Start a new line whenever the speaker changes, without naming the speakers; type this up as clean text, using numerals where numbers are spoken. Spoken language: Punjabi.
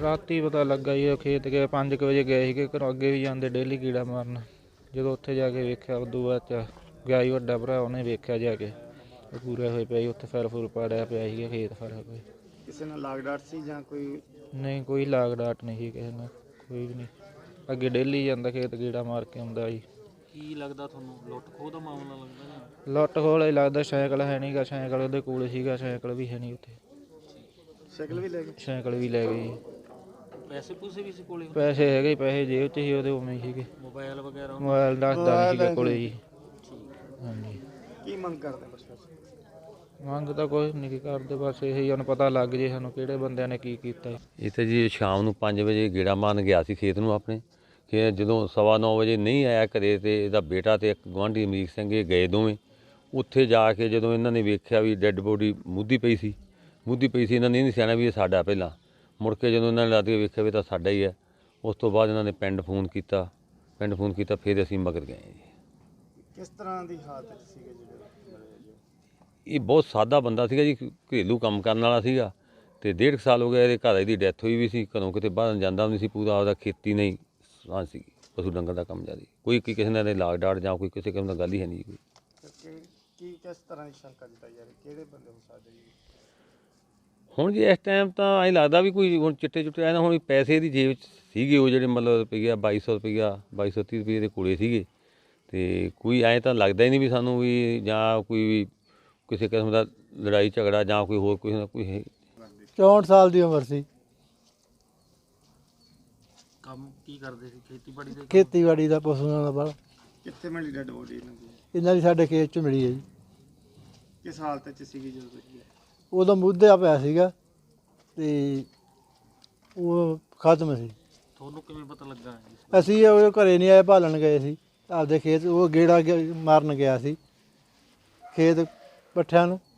ਰਾਤੀ ਪਤਾ ਲੱਗਾ ਜੀ, ਖੇਤ ਗਏ 5 ਵਜੇ ਗਏ ਸੀਗੇ ਘਰੋਂ, ਅੱਗੇ ਵੀ ਜਾਂਦੇ ਡੇਲੀ ਕੀੜਾ ਮਾਰਨ। ਜਦੋਂ ਉੱਥੇ ਜਾ ਕੇ ਵੇਖਿਆ ਉਦੋਂ ਬਾਅਦ 'ਚ ਗਿਆ ਜੀ ਵੱਡਾ ਭਰਾ, ਉਹਨੇ ਵੇਖਿਆ ਜਾ ਕੇ ਪੂਰੇ ਹੋਏ ਪਿਆ ਜੀ, ਉੱਥੇ ਫੈਲ ਫੁਲ ਪਾੜਿਆ ਪਿਆ ਸੀਗਾ ਖੇਤ ਸਾਰਾ ਕੋਈ।
ਕਿਸੇ ਨਾਲ ਲਾਗ ਡਾਟ ਸੀ ਜਾਂ ਕੋਈ?
ਨਹੀਂ, ਕੋਈ ਲਾਗ ਡਾਟ ਨਹੀਂ ਸੀ ਕਿਸੇ ਨਾਲ, ਕੋਈ ਵੀ ਨਹੀਂ। ਅੱਗੇ ਡੇਲੀ ਜਾਂਦਾ ਖੇਤ ਕੀੜਾ ਮਾਰ ਕੇ ਆਉਂਦਾ ਜੀ।
ਕੀ ਲੱਗਦਾ ਤੁਹਾਨੂੰ, ਲੁੱਟ ਖੋਹ ਦਾ ਮਾਮਲਾ ਲੱਗਦਾ?
ਲੁੱਟ ਖੋਹ ਹੀ ਲੱਗਦਾ। ਸਾਈਕਲ ਹੈ ਨਹੀਂ ਗਾ, ਸਾਈਕਲ ਉਹਦੇ ਕੋਲ ਸੀਗਾ, ਸਾਈਕਲ ਵੀ ਹੈ ਨਹੀਂ ਉੱਥੇ।
ਸਾਈਕਲ ਵੀ ਲੈ ਗਏ?
ਸਾਈਕਲ ਵੀ ਲੈ ਗਏ ਜੀ।
ਪੈਸੇ ਪੂਸੇ ਵੀ ਸੀ ਕੋਲੇ?
ਪੈਸੇ ਹੈਗੇ, ਪੈਸੇ ਜੇਬ 'ਚ ਸੀ ਉਹਦੇ, ਉਵੇਂ ਹੀ ਸੀਗੇ।
ਮੋਬਾਈਲ ਵਗੈਰਾ?
ਮੋਬਾਈਲ ਦੱਸਦਾ ਨਹੀਂ ਸੀਗਾ ਕੋਲੇ ਜੀ। ਹਾਂਜੀ।
ਕੀ ਮੰਗ ਕਰਦੇ ਪ੍ਰਸ਼ਾਸਨ?
ਮੰਗ ਤਾਂ ਕੁਛ ਨਹੀਂ ਕਰਦੇ, ਬਸ ਇਹੀ ਹੁਣ ਪਤਾ ਲੱਗ ਜੇ ਸਾਨੂੰ ਕਿਹੜੇ ਬੰਦਿਆਂ ਨੇ ਕੀ ਕੀਤਾ।
ਇਹ ਤਾਂ ਜੀ ਸ਼ਾਮ ਨੂੰ 5 ਵਜੇ ਗੇੜਾ ਮਾਰਨ ਗਿਆ ਸੀ ਖੇਤ ਨੂੰ ਆਪਣੇ। ਖੇਤ ਜਦੋਂ 9:15 ਵਜੇ ਨਹੀਂ ਆਇਆ ਘਰੇ, ਤੇ ਇਹਦਾ ਬੇਟਾ ਤੇ ਇੱਕ ਗੁਆਂਢੀ ਅਮਰੀਕ ਸਿੰਘ ਇਹ ਗਏ ਦੋਵੇਂ। ਉੱਥੇ ਜਾ ਕੇ ਜਦੋਂ ਇਹਨਾਂ ਨੇ ਵੇਖਿਆ ਵੀ ਡੈੱਡ ਬੋਡੀ ਮੁੱਧੀ ਪਈ ਸੀ, ਇਹਨਾਂ ਨੇ ਨਹੀਂ ਸਿਆਣਾ ਵੀ ਇਹ ਸਾਡਾ। ਪਹਿਲਾਂ ਮੁੜ ਕੇ ਜਦੋਂ ਇਹਨਾਂ ਨੇ ਲੱਦ ਕੇ ਵੇਖਿਆ ਵੀ ਤਾਂ ਸਾਡਾ ਹੀ ਹੈ, ਉਸ ਤੋਂ ਬਾਅਦ ਇਹਨਾਂ ਨੇ ਪਿੰਡ ਫੋਨ ਕੀਤਾ, ਫਿਰ ਅਸੀਂ ਮਗਰ ਗਏ ਜੀ।
ਕਿਸ ਤਰ੍ਹਾਂ ਦੀ ਹਾਲਤ ਸੀਗੇ ਜਿਹੜੇ?
ਇਹ ਬਹੁਤ ਸਾਦਾ ਬੰਦਾ ਸੀਗਾ ਜੀ, ਘਰੇਲੂ ਕੰਮ ਕਰਨ ਵਾਲਾ ਸੀਗਾ, ਤੇ 1.5 ਸਾਲ ਹੋ ਗਿਆ ਇਹਦੇ ਘਰ ਦੀ ਡੈਥ ਹੋਈ ਵੀ ਸੀ। ਘਰੋਂ ਕਿਤੇ ਬਾਹਰ ਜਾਂਦਾ ਨਹੀਂ ਸੀ, ਪੂਰਾ ਆਪਦਾ ਖੇਤੀ ਨਹੀਂ ਸਾਂ ਸੀ, ਪਸ਼ੂ ਡੰਗਰ ਦਾ ਕੰਮ ਜ਼ਿਆਦਾ। ਕੋਈ ਕਿਸੇ ਨਾਲ ਲਾਗ ਡਾਟ ਜਾਂ ਕੋਈ ਕਿਸੇ ਕਿਸਮ ਦਾ ਗੱਲ ਹੀ ਹੈ ਨਹੀਂ ਕੋਈ।
ਕੀ ਕਿਸ ਤਰ੍ਹਾਂ ਦੀ ਸ਼ੰਕਾ ਜਤਾਈ ਜਾ ਰਹੀ, ਕਿਹੜੇ ਬੰਦੇ ਹੋ ਸਕਦੇ ਜੀ?
ਹੁਣ ਜੀ ਇਸ ਟਾਈਮ ਤਾਂ ਐਂ ਲੱਗਦਾ ਵੀ ਕੋਈ ਹੁਣ ਚਿੱਟੇ ਚੁੱਟੇ ਆਏ ਨਾ, ਹੁਣ ਪੈਸੇ ਦੀ ਜੇਬ 'ਚ ਸੀਗੇ ਉਹ ਜਿਹੜੇ ਮਤਲਬ ਰੁਪਈਆ 2230 ਰੁਪਈਏ ਦੇ ਕੋਲੇ ਸੀਗੇ। ਤੇ ਕੋਈ ਐਂ ਤਾਂ ਲੱਗਦਾ ਹੀ ਨਹੀਂ ਵੀ ਸਾਨੂੰ ਵੀ ਜਾਂ ਕੋਈ ਵੀ ਕਿਸੇ ਕਿਸਮ ਦਾ ਲੜਾਈ ਝਗੜਾ ਜਾਂ ਕੋਈ ਹੋਰ ਕਿਸੇ ਦਾ ਕੋਈ।
64 ਸਾਲ ਦੀ ਉਮਰ ਸੀ।
ਕੰਮ ਕੀ ਕਰਦੇ ਸੀ? ਖੇਤੀਬਾੜੀ ਦੇ?
ਖੇਤੀਬਾੜੀ ਦਾ, ਪਸ਼ੂਆਂ ਦਾ ਬਲ।
ਕਿੱਥੇ ਮਿਲੀ ਡੈਡ ਬੋਡੀ ਇਹਨਾਂ ਦੀ?
ਇਹਨਾਂ ਦੀ ਸਾਡੇ ਖੇਤ 'ਚ ਮਿਲੀ ਹੈ ਜੀ।
ਕਿਸ ਹਾਲਤ 'ਚ ਸੀਗੀ ਜਦੋਂ ਦੇਖੀ?
ਉਦੋਂ ਮੁੱਧਿਆ ਪਿਆ ਸੀਗਾ ਤੇ ਉਹ ਖਤਮ ਸੀ।
ਤੁਹਾਨੂੰ ਕਿਵੇਂ ਪਤਾ ਲੱਗਾ?
ਅਸੀਂ ਉਹ ਘਰੇ ਨਹੀਂ ਆਏ, ਭਾਲਣ ਗਏ ਸੀ ਆਪਦੇ ਖੇਤ। ਉਹ ਗੇੜਾ ਮਾਰਨ ਗਿਆ ਸੀ ਖੇਤ ਪੱਠਿਆਂ ਨੂੰ।